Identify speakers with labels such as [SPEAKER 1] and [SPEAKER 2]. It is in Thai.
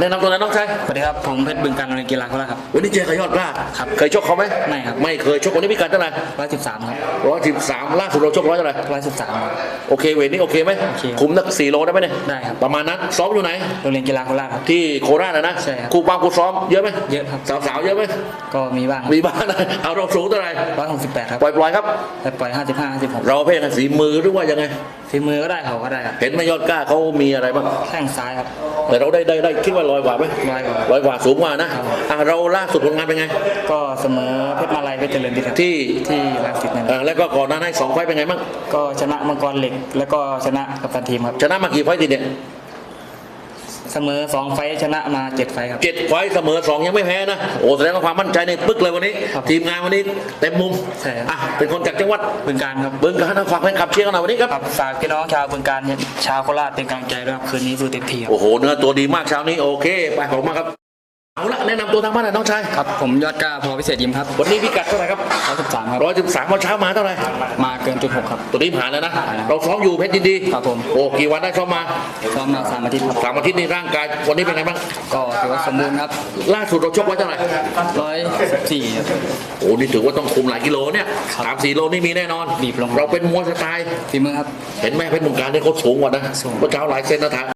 [SPEAKER 1] แนะนำตัวหน่อยน้องชาย
[SPEAKER 2] สวัสดีครับผมเพชรบึงการโรงเรียนกีฬาโคราชครับ
[SPEAKER 1] วันนี้เจอกับยอดกล้า
[SPEAKER 2] ครับ
[SPEAKER 1] เคยชกเขาไหม
[SPEAKER 2] ไม่ครับ
[SPEAKER 1] ไม่เคยชกวันนี้พิกัดเท่าไหร่
[SPEAKER 2] 113ครับ
[SPEAKER 1] 113ล่าสุดเราชกร้อยเท่าไหร่
[SPEAKER 2] 113ครับ
[SPEAKER 1] โอเคเวทนี้โอเคไหม
[SPEAKER 2] โอเคครับ
[SPEAKER 1] คุมนัก4 โลได้ไหมเนี่ย
[SPEAKER 2] ได้ครับ
[SPEAKER 1] ประมาณนั้นซ้อมอยู่ไหน
[SPEAKER 2] โรงเรียนกีฬาโคราชครับ
[SPEAKER 1] ที่โคราชนะ
[SPEAKER 2] ใช่ครับ
[SPEAKER 1] ครูปามครูซ้อมเยอะไหม
[SPEAKER 2] เยอะครับ
[SPEAKER 1] สาวๆเยอะไหม
[SPEAKER 2] ก็มีบ้าง
[SPEAKER 1] มีบ้างนะเอาเราสูงเท่าไหร่
[SPEAKER 2] 168ครับ
[SPEAKER 1] ปล่อยๆครับ
[SPEAKER 2] แต่ปล่อย55 56
[SPEAKER 1] เราเพ่งกันฝีมือหรือว่ายังไง
[SPEAKER 2] ฝีมือก็ได้เขาก็ได้ครับ
[SPEAKER 1] เห็นไหมยอดกล้าเขามีอะไรบ้าง
[SPEAKER 2] แข้งซ้ายครับ
[SPEAKER 1] แต่เราได้คิดว่าลอยกว่าไหม
[SPEAKER 2] ร้อยกว่า
[SPEAKER 1] ร้อยกว่าสูงกว่านะครับ เราล่าสุดผลงานเป็นไง
[SPEAKER 2] ก็เสมอเพชรมาลัยเพชรเจริญวิทย์ครับ
[SPEAKER 1] ที่
[SPEAKER 2] ที่รังสิตนั่น
[SPEAKER 1] แล้วก็ก่อนหน้านั้น2 ไฟต์เป็นไงบ้าง
[SPEAKER 2] ก็ชนะมังกรเหล็ก แล้วก็ชนะกัปตันทีมครับ
[SPEAKER 1] ชนะมากี่ไฟต์ติดเนี่ย
[SPEAKER 2] เสมอ2 ไฟท์ชนะมา7 ไฟท์ครับ
[SPEAKER 1] 7 ไฟต์เสมอ2ยังไม่แพ้นะโอ้แสดงว่าความมั่นใจในปึ๊กเลยวันนี้
[SPEAKER 2] ครับ
[SPEAKER 1] ทีมงานวันนี้เต็มมุม
[SPEAKER 2] ใช่ครับ
[SPEAKER 1] เป็นคนจากจังหวัด
[SPEAKER 2] บึงการครับ
[SPEAKER 1] บึงกาฬนะฝากแฟนคลับเชียร์กันหน่อยวันนี้ครับ
[SPEAKER 2] ครับฝากพี่น้องชาวบึงการชาวโคราชเป็นกำลังใจด้วยครับคืนนี้สู้เต็มที่ครับ
[SPEAKER 1] โอ้โหเนื้อตัวดีมากเช้านี้โอเคไปขอบคุณมากครับเอาละแนะนำตัวทางบ้านหน่อยน้องชาย
[SPEAKER 2] ครับผมยอดกล้าพอพิเศษยิมครับ
[SPEAKER 1] วันนี้พิกัดเท่าไหร่ครับ
[SPEAKER 2] 113ครับ
[SPEAKER 1] 113วันเช้ามาเท่าไหร่
[SPEAKER 2] มาเกินจุด6ครับ
[SPEAKER 1] ตัวนี้ผ่านแล้วนะ
[SPEAKER 2] ผ่านแล้ว
[SPEAKER 1] เราซ้อมอยู่เพชรยินดี
[SPEAKER 2] ครับผม
[SPEAKER 1] โอ้กี่วันได้ซ้อมมา
[SPEAKER 2] ซ้อมมา3 อาทิตย์ครับ
[SPEAKER 1] 3 อาทิตย์นี้ร่างกายวันนี้เป็นไงบ้าง
[SPEAKER 2] ก็ถือว่าสมบูรณ์ครับ
[SPEAKER 1] ล่าสุดเราชกไว้เท่าไหร่
[SPEAKER 2] 114ครับ
[SPEAKER 1] โอ้นี่ถือว่าต้องคุมหลายกิโลเนี่ย
[SPEAKER 2] ครับ
[SPEAKER 1] 3-4 โลนี่มีแน่นอน
[SPEAKER 2] บีบลง
[SPEAKER 1] เราเป็นมวยสไตล์
[SPEAKER 2] ฝีมือครับ
[SPEAKER 1] เห็นไหมเพชรมุงการเนี่ยเขาสูงกว่านะ
[SPEAKER 2] สูง
[SPEAKER 1] เมื่อเช้าหลายเซนนะ